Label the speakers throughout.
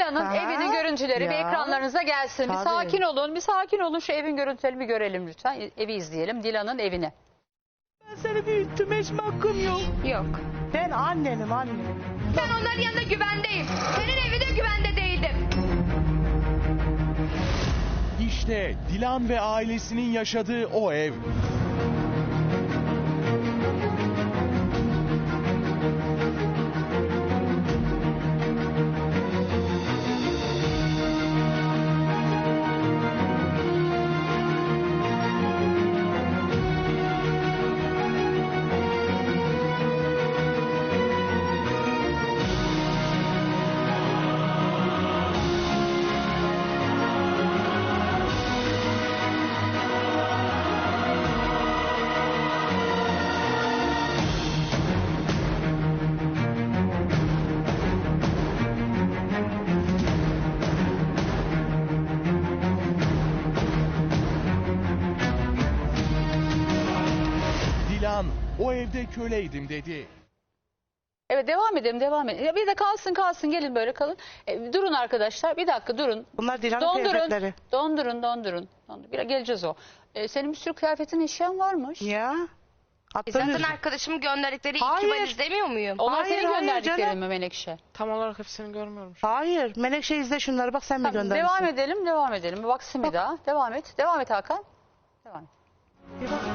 Speaker 1: Dilan'ın
Speaker 2: Aha,
Speaker 1: evinin görüntüleri bir
Speaker 2: ya.
Speaker 1: ekranlarınıza gelsin. Bir
Speaker 2: Tabii.
Speaker 1: sakin olun, bir sakin olun. Şu evin görüntülerini bir görelim lütfen. Evi izleyelim, Dilan'ın evini.
Speaker 2: Ben seni büyüttüm, hiç mi hakkım yok?
Speaker 3: Yok.
Speaker 2: Ben annenim.
Speaker 3: Ben onların yanında güvendeyim. Senin evinde güvende değildim.
Speaker 4: İşte Dilan ve ailesinin yaşadığı o ev. Dilan o evde köleydim dedi.
Speaker 1: Evet, devam edelim. Ya bir de kalsın gelin böyle kalın. Durun arkadaşlar, bir dakika durun.
Speaker 2: Bunlar Dilan'ın kıyafetleri.
Speaker 1: Dondurun. Biraz geleceğiz o. Senin bir sürü kıyafetin, eşyan varmış.
Speaker 2: Ya.
Speaker 3: Zaten
Speaker 2: Attığınız...
Speaker 3: arkadaşımın gönderdikleri
Speaker 2: Hayır.
Speaker 3: iki valiz demiyor muyum?
Speaker 1: Onlar
Speaker 2: Hayır,
Speaker 1: senin
Speaker 2: hayır
Speaker 1: gönderdiklerin
Speaker 2: canım.
Speaker 1: mi Menekşe?
Speaker 5: Tam olarak hepsini görmüyorum.
Speaker 2: Hayır. Menekşe izle şunları, bak sen mi
Speaker 1: Tamam,
Speaker 2: göndermişsin?
Speaker 1: devam edelim. Bir baksın bir daha. Devam et Hakan. Devam et.
Speaker 2: Bir bak.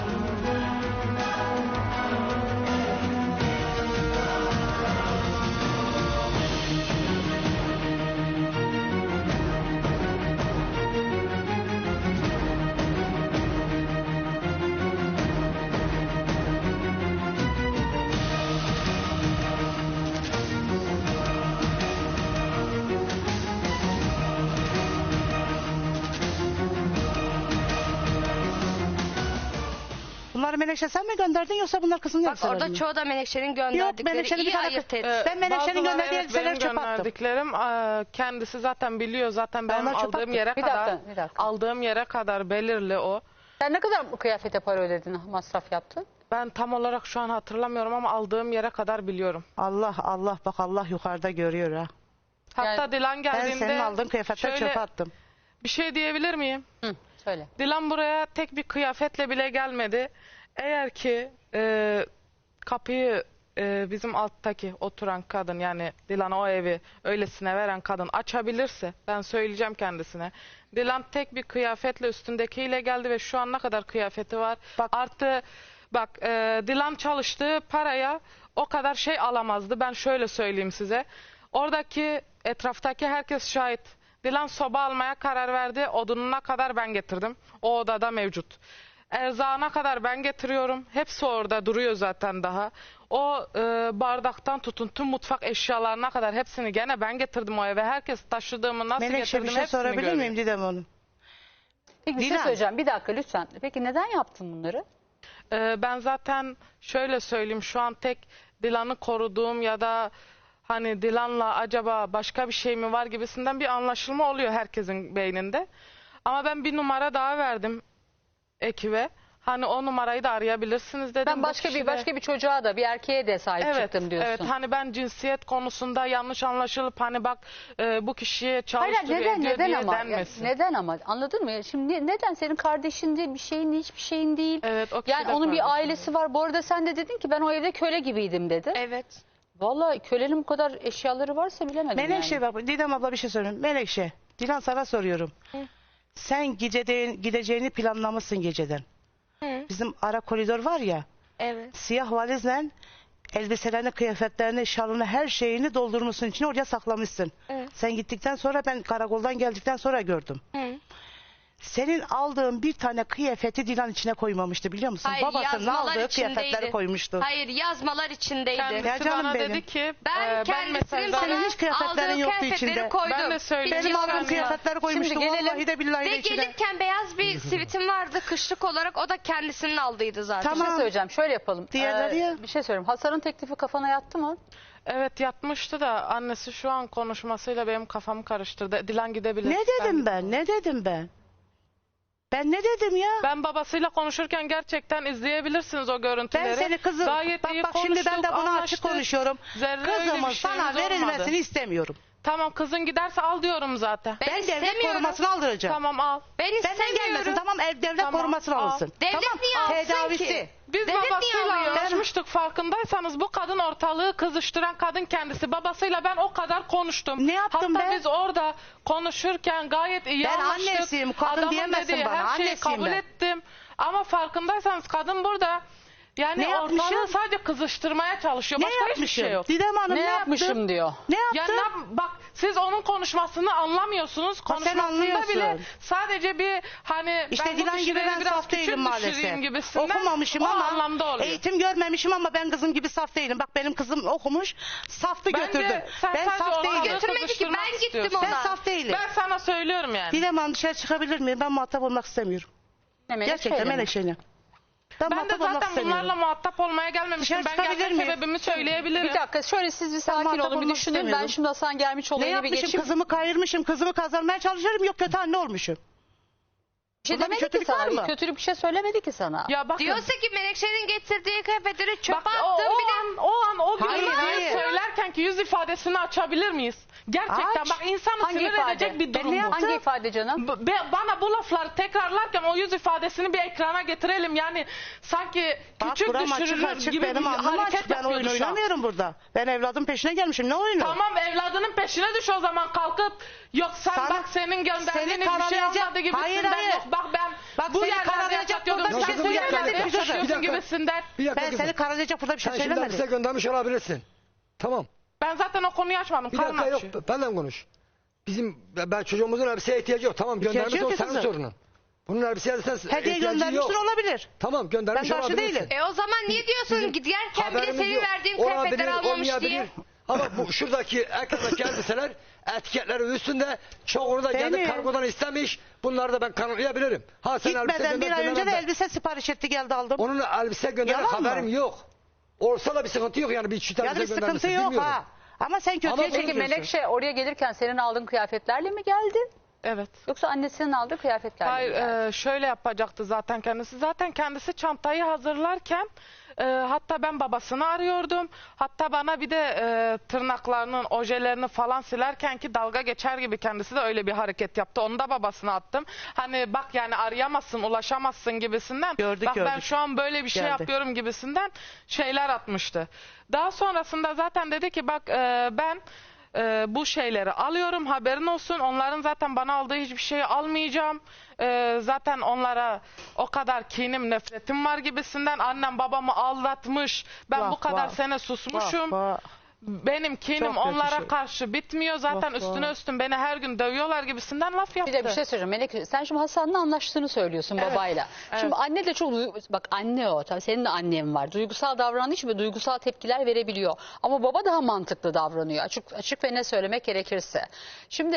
Speaker 2: Bunları Menekşe sen mi gönderdin, yoksa bunlar kızın
Speaker 3: Bak
Speaker 2: elbiseleri
Speaker 3: orada
Speaker 2: mi?
Speaker 3: çoğu da Menekşe'nin
Speaker 2: Yok,
Speaker 3: gönderdikleri.
Speaker 2: Menekşe'nin bir
Speaker 3: İyi
Speaker 2: tane...
Speaker 3: ayırt et.
Speaker 2: Ben Menekşe'nin
Speaker 5: Bazıları
Speaker 2: gönderdiği
Speaker 5: evet,
Speaker 2: elbiseleri
Speaker 5: benim
Speaker 2: çöpe attım.
Speaker 5: gönderdiklerim kendisi zaten biliyor. Zaten benim
Speaker 2: onlar çöpe
Speaker 5: aldığım
Speaker 2: attım.
Speaker 5: yere
Speaker 1: Bir
Speaker 5: kadar
Speaker 1: dakika.
Speaker 5: aldığım yere kadar belirli o.
Speaker 1: Sen ne kadar bu kıyafete para ödedin, masraf yaptın?
Speaker 5: Ben tam olarak şu an hatırlamıyorum ama aldığım yere kadar biliyorum.
Speaker 2: Allah bak, Allah yukarıda görüyor ha.
Speaker 5: Hatta
Speaker 1: Yani
Speaker 5: Dilan
Speaker 2: Ben
Speaker 5: geldiğinde
Speaker 2: senin aldığın kıyafetleri
Speaker 5: şöyle
Speaker 2: çöpe attım.
Speaker 5: bir şey diyebilir miyim?
Speaker 1: Hı, söyle.
Speaker 5: Dilan buraya tek bir kıyafetle bile gelmedi. Eğer ki kapıyı bizim alttaki oturan kadın, yani Dilan'a o evi öylesine veren kadın açabilirse, ben söyleyeceğim kendisine. Dilan tek bir kıyafetle üstündekiyle geldi ve şu an ne kadar kıyafeti var.
Speaker 2: Bak.
Speaker 5: Artı bak, Dilan çalıştığı paraya o kadar şey alamazdı. Ben şöyle söyleyeyim size. Oradaki etraftaki herkes şahit. Dilan soba almaya karar verdi. Odununa kadar ben getirdim. O odada mevcut. Erzağına kadar ben getiriyorum. Hepsi orada duruyor zaten daha. O bardaktan tutun tüm mutfak eşyalarına kadar hepsini gene ben getirdim o eve. Herkes taşıdığımı nasıl
Speaker 2: Menekşe,
Speaker 5: getirdim
Speaker 2: bir şey
Speaker 5: hepsini
Speaker 2: sorabilir
Speaker 5: görüyor.
Speaker 2: miyim Didem Hanım?
Speaker 1: Peki bir şey
Speaker 2: Dilan.
Speaker 1: söyleyeceğim. Bir dakika lütfen. Peki neden yaptın bunları?
Speaker 5: Ben zaten şöyle söyleyeyim, şu an tek Dilan'ı koruduğum ya da hani Dilan'la acaba başka bir şey mi var gibisinden bir anlaşılma oluyor herkesin beyninde. Ama ben bir numara daha verdim ekibe. Hani o numarayı da arayabilirsiniz dedim.
Speaker 1: Ben
Speaker 5: Bu
Speaker 1: başka
Speaker 5: kişi de-
Speaker 1: bir çocuğa da, bir erkeğe de sahip çıktım diyorsun.
Speaker 5: Evet, hani ben cinsiyet konusunda yanlış anlaşılıp hani bak bu kişiye
Speaker 1: Hayır,
Speaker 5: çalıştırıyor ediyor
Speaker 1: neden
Speaker 5: diye
Speaker 1: ama?
Speaker 5: denmesin.
Speaker 1: Neden ama? Anladın mı? Şimdi neden senin kardeşin değil, bir şeyin, hiçbir şeyin değil.
Speaker 5: Evet, o kişi
Speaker 1: Yani
Speaker 5: de
Speaker 1: onun bir
Speaker 5: kardeşim.
Speaker 1: ailesi var. Bu arada sen de dedin ki ben o evde köle gibiydim dedi.
Speaker 3: Evet.
Speaker 1: Vallahi kölenin bu kadar eşyaları varsa bilemedim
Speaker 2: Menekşe
Speaker 1: yani.
Speaker 2: bak, Didem abla bir şey söyleyeyim. Menekşe, Dilan sana soruyorum. Sen gideceğini planlamışsın geceden.
Speaker 3: Hı.
Speaker 2: Bizim ara koridor var ya,
Speaker 3: Evet.
Speaker 2: siyah valizle elbiselerini, kıyafetlerini, şalını, her şeyini doldurmuşsun içine, oraya saklamışsın.
Speaker 3: Evet.
Speaker 2: Sen gittikten sonra, ben karakoldan geldikten sonra gördüm.
Speaker 3: Hı.
Speaker 2: Senin aldığın bir tane kıyafeti Dilan içine koymamıştı, biliyor musun?
Speaker 3: Hayır,
Speaker 2: Babasının
Speaker 3: yazmalar
Speaker 2: aldığı
Speaker 3: içindeydi.
Speaker 2: kıyafetleri koymuştu.
Speaker 3: Hayır, yazmalar içindeydi.
Speaker 5: Kendisi
Speaker 2: Ya canım
Speaker 5: bana
Speaker 2: benim.
Speaker 5: dedi ki
Speaker 3: Ben kendisinin
Speaker 5: mesajdan-
Speaker 2: Senin
Speaker 3: bana
Speaker 2: hiç kıyafetlerin
Speaker 3: aldığı
Speaker 2: yoktu
Speaker 3: kıyafetleri
Speaker 2: içinde.
Speaker 3: koydum.
Speaker 5: Ben de söyleyeyim.
Speaker 2: Benim aldığım
Speaker 5: Şimdi
Speaker 2: kıyafetleri koymuştu.
Speaker 1: gelelim.
Speaker 2: Vallahi de billahi
Speaker 3: Ve
Speaker 2: de içine.
Speaker 3: gelirken beyaz bir sivitim vardı kışlık olarak, o da kendisinin aldıydı zaten.
Speaker 1: Bir şey
Speaker 2: Tamam.
Speaker 1: söyleyeceğim. Şöyle yapalım.
Speaker 2: Diğerleri ya.
Speaker 1: Bir şey söyleyeyim. Hasan'ın teklifi kafana yattı mı?
Speaker 5: Evet, yatmıştı da annesi şu an konuşmasıyla benim kafamı karıştırdı. Dilan gidebilir.
Speaker 2: Ne dedim ben? Ne dedim ben? Ben ne dedim ya?
Speaker 5: Ben babasıyla konuşurken gerçekten izleyebilirsiniz o görüntüleri.
Speaker 2: Ben seni kızım,
Speaker 5: Gayet iyi
Speaker 2: bak şimdi ben de
Speaker 5: konuştuk,
Speaker 2: bunu açık
Speaker 5: anlaştık.
Speaker 2: konuşuyorum.
Speaker 5: Zerre öyle
Speaker 2: Kızımın
Speaker 5: bir
Speaker 2: sana
Speaker 5: şeyimiz
Speaker 2: verilmesini
Speaker 5: olmadı.
Speaker 2: istemiyorum.
Speaker 5: Tamam, kızın giderse al diyorum zaten.
Speaker 3: Ben
Speaker 2: Ben devlet
Speaker 3: istemiyorum.
Speaker 2: korumasını aldıracağım.
Speaker 5: Tamam, al.
Speaker 3: Ben
Speaker 2: Benden
Speaker 3: istemiyorum.
Speaker 2: gelmesin, tamam, devlet
Speaker 5: Tamam,
Speaker 2: korumasını
Speaker 5: al.
Speaker 2: alınsın.
Speaker 3: Devlet
Speaker 2: Tamam,
Speaker 3: niye alsın
Speaker 2: tedavisi.
Speaker 3: ki?
Speaker 5: Biz
Speaker 3: Devlet niye
Speaker 5: babasıyla
Speaker 3: alıyor?
Speaker 5: anlaşmıştık, farkındaysanız. Bu kadın ortalığı kızıştıran kadın kendisi. Babasıyla ben o kadar konuştum.
Speaker 2: Ne yaptım
Speaker 5: Hatta
Speaker 2: ben?
Speaker 5: biz orada konuşurken gayet iyi
Speaker 2: Ben
Speaker 5: anlaştık.
Speaker 2: annesiyim, kadın
Speaker 5: Adamın
Speaker 2: diyemezsin
Speaker 5: dediği
Speaker 2: bana,
Speaker 5: her şeyi
Speaker 2: annesiyim
Speaker 5: kabul
Speaker 2: ben.
Speaker 5: ettim. Ama farkındaysanız kadın burada yani
Speaker 2: Ne
Speaker 5: ortalığı
Speaker 2: yapmışım?
Speaker 5: sadece kızıştırmaya çalışıyor.
Speaker 2: Ne
Speaker 5: Başka hiçbir
Speaker 2: yapmışım?
Speaker 5: şey yok.
Speaker 2: Didem Hanım
Speaker 1: Ne
Speaker 2: ne
Speaker 1: yapmışım
Speaker 2: yaptım?
Speaker 1: diyor.
Speaker 2: Ne
Speaker 5: Ya
Speaker 2: yaptım?
Speaker 5: bak, siz onun konuşmasını anlamıyorsunuz.
Speaker 2: sen
Speaker 5: Konuşmasında
Speaker 2: anlıyorsun.
Speaker 5: bile sadece bir hani
Speaker 2: İşte
Speaker 5: ben bu
Speaker 2: Dilan gibi
Speaker 5: kişileri
Speaker 2: ben
Speaker 5: biraz
Speaker 2: saf
Speaker 5: küçük
Speaker 2: değilim maalesef.
Speaker 5: düşüreyim gibisinden
Speaker 2: Okumamışım
Speaker 5: o
Speaker 2: ama
Speaker 5: anlamda oluyor.
Speaker 2: eğitim görmemişim ama ben kızım gibi saf değilim. Bak benim kızım okumuş, saftı
Speaker 5: Bence
Speaker 2: götürdüm.
Speaker 5: sen
Speaker 2: Ben
Speaker 5: sadece
Speaker 2: saf
Speaker 5: o
Speaker 2: değilim.
Speaker 3: Götürmedi ki,
Speaker 5: kızıştırmak
Speaker 3: ben gittim
Speaker 5: istiyorsun.
Speaker 3: ona.
Speaker 2: Ben saf değilim.
Speaker 5: Ben sana söylüyorum yani.
Speaker 2: Didem Hanım dışarı çıkabilir miyim? Ben muhatap olmak istemiyorum.
Speaker 1: Ne,
Speaker 2: Gerçekten
Speaker 1: Melekşe'yle mi?
Speaker 2: Melekşe'yle. Ben
Speaker 5: Ben de
Speaker 2: muhatap olmak
Speaker 5: zaten
Speaker 2: istemiyorum.
Speaker 5: bunlarla muhatap olmaya gelmemiştim.
Speaker 2: Dışarı
Speaker 5: Ben
Speaker 2: çıkabilir
Speaker 5: gelme
Speaker 2: miyim?
Speaker 5: sebebimi söyleyebilirim.
Speaker 1: Bir dakika şöyle siz bir sakin
Speaker 2: muhatap
Speaker 1: olun bir
Speaker 2: olmak
Speaker 1: düşünün. Ben
Speaker 2: istemiyorum.
Speaker 1: şimdi Hasan gelmiş
Speaker 2: Ne
Speaker 1: olayına bir
Speaker 2: yapmışım?
Speaker 1: geçeyim.
Speaker 2: Kızımı kayırmışım. Kızımı kazanmaya çalışıyorum. Yok kötü anne olmuşum.
Speaker 1: Bir şey
Speaker 2: Bunda bir
Speaker 1: demedi ki
Speaker 2: kötülük var
Speaker 1: sana.
Speaker 2: mı?
Speaker 1: Bir kötülük bir şey söylemedi ki sana.
Speaker 5: Ya bakın.
Speaker 3: Diyorsa ki Menekşe'nin getirdiği kıyafetleri çöpe
Speaker 5: Bak,
Speaker 3: attım
Speaker 5: o
Speaker 3: bile.
Speaker 5: an o gün
Speaker 2: Hayır, hayır.
Speaker 5: söylerken ki yüz ifadesini açabilir miyiz? Gerçekten
Speaker 2: Aç.
Speaker 5: bak, insanı
Speaker 1: Hangi
Speaker 5: sinir
Speaker 1: ifade?
Speaker 5: edecek bir
Speaker 2: Ben
Speaker 5: durum
Speaker 2: ne
Speaker 5: bu.
Speaker 2: yaptım?
Speaker 1: Hangi ifade canım?
Speaker 5: Bana bu lafları tekrarlarken o yüz ifadesini bir ekrana getirelim. Yani sanki
Speaker 2: Bak
Speaker 5: küçük
Speaker 2: buram açık
Speaker 5: düşürülür
Speaker 2: açık
Speaker 5: gibi
Speaker 2: benim
Speaker 5: bir
Speaker 2: anlam
Speaker 5: hareket
Speaker 2: açık. Ben oyun
Speaker 5: yapıyordu şu an.
Speaker 2: oynamıyorum burada. Ben evladım peşine gelmişim. Ne oyunu?
Speaker 5: Tamam, evladının peşine düş o zaman kalkıp. Yok sen
Speaker 2: Sana-
Speaker 5: bak senin gönderdiğin
Speaker 2: seni
Speaker 5: hiçbir şey
Speaker 2: karalayacak-
Speaker 5: olmadı gibisinden.
Speaker 2: Hayır, hayır.
Speaker 5: Yok bak ben
Speaker 2: Bak
Speaker 5: bu
Speaker 2: seni
Speaker 5: yerlerde
Speaker 2: karalayacak
Speaker 5: yaşatıyordum.
Speaker 2: burada bir
Speaker 5: Sen
Speaker 2: şey
Speaker 5: bu
Speaker 2: söylemedim.
Speaker 5: yerlerde
Speaker 2: Bir dakika,
Speaker 5: yaşatıyorsun
Speaker 6: bir dakika.
Speaker 5: gibisinden.
Speaker 6: Bir dakika
Speaker 2: Ben
Speaker 6: kızım.
Speaker 2: seni karalayacak burada bir şey
Speaker 6: Sen şimdi hapise
Speaker 2: söylemedim.
Speaker 6: göndermiş olabilirsin. Tamam.
Speaker 5: Ben zaten o konuyu açmadım.
Speaker 6: Bir dakika
Speaker 5: Karnım
Speaker 6: yok.
Speaker 5: açıyor.
Speaker 6: Benden konuş. Ben çocuğumuzun elbiseye ihtiyacı yok. Tamam
Speaker 2: İhtiyacı
Speaker 6: göndermiş
Speaker 2: yok
Speaker 6: o
Speaker 2: ki
Speaker 6: senin
Speaker 2: kızım.
Speaker 6: sorunun. Bunun elbiseye sen
Speaker 2: Hediye
Speaker 6: ihtiyacı
Speaker 2: göndermiştir
Speaker 6: yok.
Speaker 2: olabilir.
Speaker 6: Tamam göndermiş
Speaker 2: Ben karşı
Speaker 6: olabilirsin.
Speaker 2: değilim.
Speaker 3: O zaman niye diyorsun giderken bir de
Speaker 6: Haberimiz
Speaker 3: senin
Speaker 6: yok.
Speaker 3: verdiğin
Speaker 6: Olabilir,
Speaker 3: kıyafetleri almamış
Speaker 6: olmayabilir.
Speaker 3: diye.
Speaker 6: Ama bu şuradaki ekrandaki elbiseler etiketleri üstünde çoğunu da geldi
Speaker 2: Benim.
Speaker 6: kargodan istemiş. Bunları da ben kanıtlayabilirim. Ha sen elbise
Speaker 2: Gitmeden bir
Speaker 6: gönder
Speaker 2: ay önce de
Speaker 6: göndermem.
Speaker 2: elbise sipariş etti geldi aldım.
Speaker 6: Onun elbise gönderen
Speaker 2: Yalan mı?
Speaker 6: haberim yok. Olsa da bir sıkıntı yok yani bir çift
Speaker 2: Yani
Speaker 6: elbise
Speaker 2: bir sıkıntı
Speaker 6: göndermişsin
Speaker 2: yok
Speaker 6: bilmiyorum.
Speaker 2: ha. Ama sen kötüye
Speaker 6: Ama
Speaker 1: Peki
Speaker 2: çekiyorsun.
Speaker 1: Menekşe oraya gelirken senin aldığın kıyafetlerle mi geldi?
Speaker 5: Evet.
Speaker 1: Yoksa annesinin aldığı kıyafetlerle
Speaker 5: Hayır,
Speaker 1: mi geldi?
Speaker 5: şöyle yapacaktı zaten kendisi. Zaten kendisi çantayı hazırlarken hatta ben babasını arıyordum. Hatta bana bir de tırnaklarının ojelerini falan silerken ki dalga geçer gibi kendisi de öyle bir hareket yaptı. Onu da babasına attım. Hani bak yani arayamazsın, ulaşamazsın gibisinden.
Speaker 2: Gördük,
Speaker 5: bak ben
Speaker 2: gördük.
Speaker 5: şu an böyle bir şey
Speaker 2: Geldi.
Speaker 5: yapıyorum gibisinden şeyler atmıştı. Daha sonrasında zaten dedi ki bak ben bu şeyleri alıyorum, haberin olsun. Onların zaten bana aldığı hiçbir şeyi almayacağım. Zaten onlara o kadar kinim, nefretim var gibisinden. Annem babamı aldatmış. Ben
Speaker 2: Vah,
Speaker 5: bu kadar
Speaker 2: vah.
Speaker 5: sene susmuşum.
Speaker 2: Vah, vah.
Speaker 5: Benim kinim
Speaker 2: Çok kötü
Speaker 5: onlara
Speaker 2: şey.
Speaker 5: karşı bitmiyor. Zaten
Speaker 2: Vah,
Speaker 5: üstüne
Speaker 2: vah.
Speaker 5: üstün beni her gün dövüyorlar gibisinden laf yaptı.
Speaker 1: Bir de bir şey söyleyeceğim Melek. Sen şimdi Hasan'la anlaştığını söylüyorsun babayla. Şimdi anne de çok bak anne o. Tabii senin de annen var. Duygusal davranış ve duygusal tepkiler verebiliyor. Ama baba daha mantıklı davranıyor. Açık ve ne söylemek gerekirse. Şimdi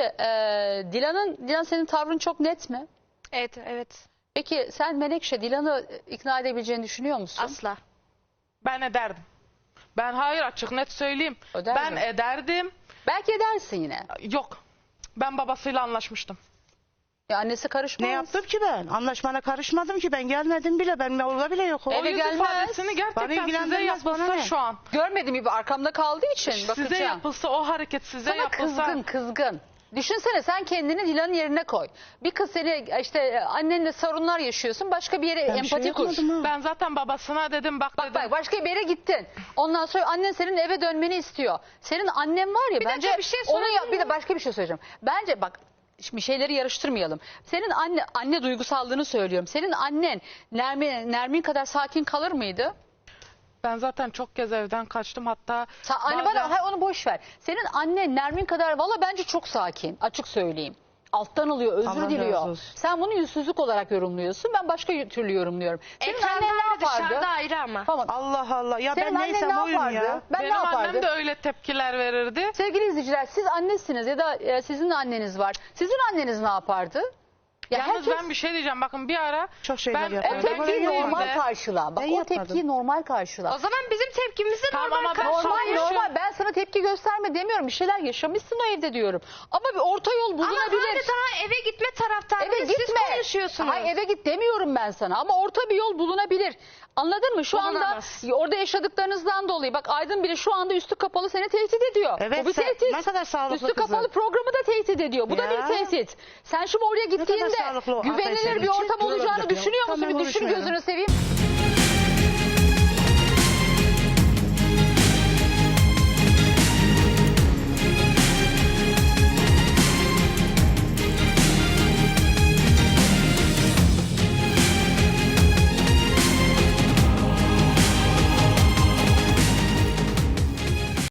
Speaker 1: Dilan senin tavrın çok net mi?
Speaker 3: Evet, evet.
Speaker 1: Peki sen Menekşe Dilan'ı ikna edebileceğini düşünüyor musun?
Speaker 3: Asla.
Speaker 5: Ben ederdim. Ben hayır açık net söyleyeyim.
Speaker 1: Öder
Speaker 5: Ben
Speaker 1: mi?
Speaker 5: ederdim.
Speaker 1: Belki edersin yine.
Speaker 5: Yok. Ben babasıyla anlaşmıştım.
Speaker 1: Ya annesi karışmaz.
Speaker 2: Ne yaptım ki ben? Anlaşmana karışmadım ki ben gelmedim bile. Ben orada bile yok.
Speaker 1: Eve
Speaker 5: O yüz
Speaker 1: gelmez.
Speaker 5: ifadesini
Speaker 2: Bana
Speaker 5: gerçekten size
Speaker 2: ilgilendirmez, bana
Speaker 5: yapılsa
Speaker 2: ne?
Speaker 5: şu an.
Speaker 1: Görmedim gibi arkamda kaldığı için
Speaker 5: Size
Speaker 1: bakacağım.
Speaker 5: yapılsa o hareket size
Speaker 1: Sana
Speaker 5: yapılsa.
Speaker 1: kızgın. Düşünsene sen kendini Dilan'ın yerine koy. Bir kız seni işte annenle sorunlar yaşıyorsun. Başka bir yere
Speaker 2: Ben bir şey
Speaker 1: empati kur.
Speaker 2: yapmadım ha.
Speaker 5: Ben zaten babasına dedim bak dedim.
Speaker 1: Bak başka bir yere gittin. Ondan sonra annen senin eve dönmeni istiyor. Senin annen var ya
Speaker 3: Bir
Speaker 1: bence
Speaker 3: dakika, bir şey
Speaker 1: onu
Speaker 3: sorabilir
Speaker 1: bir de
Speaker 3: miyim?
Speaker 1: başka bir şey söyleyeceğim. Bence bak şimdi şeyleri yarıştırmayalım. Senin anne duygusallığını söylüyorum. Senin annen Nermin kadar sakin kalır mıydı?
Speaker 5: Ben zaten çok kez evden kaçtım hatta.
Speaker 1: Anne
Speaker 5: bazen-
Speaker 1: bana onu boş ver. Senin annen Nermin kadar valla bence çok sakin. Açık söyleyeyim. Alttan alıyor, özür
Speaker 2: Allah razı
Speaker 1: diliyor.
Speaker 2: olsun.
Speaker 1: Sen bunu yüzsüzlük olarak yorumluyorsun. Ben başka türlü yorumluyorum. Senin
Speaker 3: Ekranda
Speaker 1: annen ne
Speaker 3: ayrı,
Speaker 1: yapardı?
Speaker 3: dışarıda ayrı ama.
Speaker 1: Tamam.
Speaker 2: Allah Allah. Ya
Speaker 1: Senin
Speaker 2: ben
Speaker 1: annen
Speaker 2: neysem
Speaker 1: ne
Speaker 2: oyum
Speaker 1: yapardı?
Speaker 2: ya.
Speaker 1: Ben ne
Speaker 5: Benim
Speaker 1: yapardım?
Speaker 5: annem de öyle tepkiler verirdi.
Speaker 1: Sevgili izleyiciler siz annesiniz ya da sizin anneniz var. Sizin anneniz ne yapardı? Ya
Speaker 5: Yalnız
Speaker 1: herkes-
Speaker 5: ben bir şey diyeceğim. Bakın bir ara
Speaker 2: Çok şeyler
Speaker 5: ben
Speaker 2: yapıyor.
Speaker 1: O
Speaker 5: evden
Speaker 1: tepkiyi
Speaker 5: gittiğimde-
Speaker 1: normal karşıla. Bak
Speaker 2: Ben
Speaker 1: o
Speaker 2: yapmadım.
Speaker 1: tepkiyi normal karşıla.
Speaker 3: O zaman bizim tepkimizi
Speaker 5: Tamam
Speaker 3: normal
Speaker 5: ama ben
Speaker 3: karşılayın.
Speaker 5: sonra
Speaker 1: Normal
Speaker 5: yaşıyorum.
Speaker 1: normal. Ben sana tepki gösterme demiyorum. Bir şeyler yaşamışsın o evde diyorum. Ama bir orta yol
Speaker 3: Ama
Speaker 1: bulunabilir.
Speaker 3: hala daha eve gitme
Speaker 1: Eve
Speaker 3: taraftarıyız. Siz
Speaker 1: gitme.
Speaker 3: konuşuyorsunuz.
Speaker 1: Hayır eve git demiyorum ben sana ama orta bir yol bulunabilir. Anladın mı? Şu
Speaker 3: Bulunamaz.
Speaker 1: anda orada yaşadıklarınızdan dolayı bak Aydın bile şu anda üstü kapalı seni tehdit ediyor.
Speaker 2: Evet,
Speaker 1: Bu bir
Speaker 2: sen-
Speaker 1: tehdit.
Speaker 2: ne kadar sağlıklı
Speaker 1: Üstü
Speaker 2: kızım.
Speaker 1: kapalı programı da tehdit ediyor. Bu da
Speaker 2: Ya.
Speaker 1: bir tehdit. Sen şimdi oraya
Speaker 2: kadar
Speaker 1: gittiğinde
Speaker 2: sağlıklı o
Speaker 1: güvenilir
Speaker 2: hanımefendi.
Speaker 1: bir ortam
Speaker 6: Çift
Speaker 1: olacağını
Speaker 6: olacak ya.
Speaker 1: düşünüyor musun?
Speaker 2: Tamam,
Speaker 1: Bir düşün
Speaker 2: konuşmayalım.
Speaker 1: gözünü seveyim.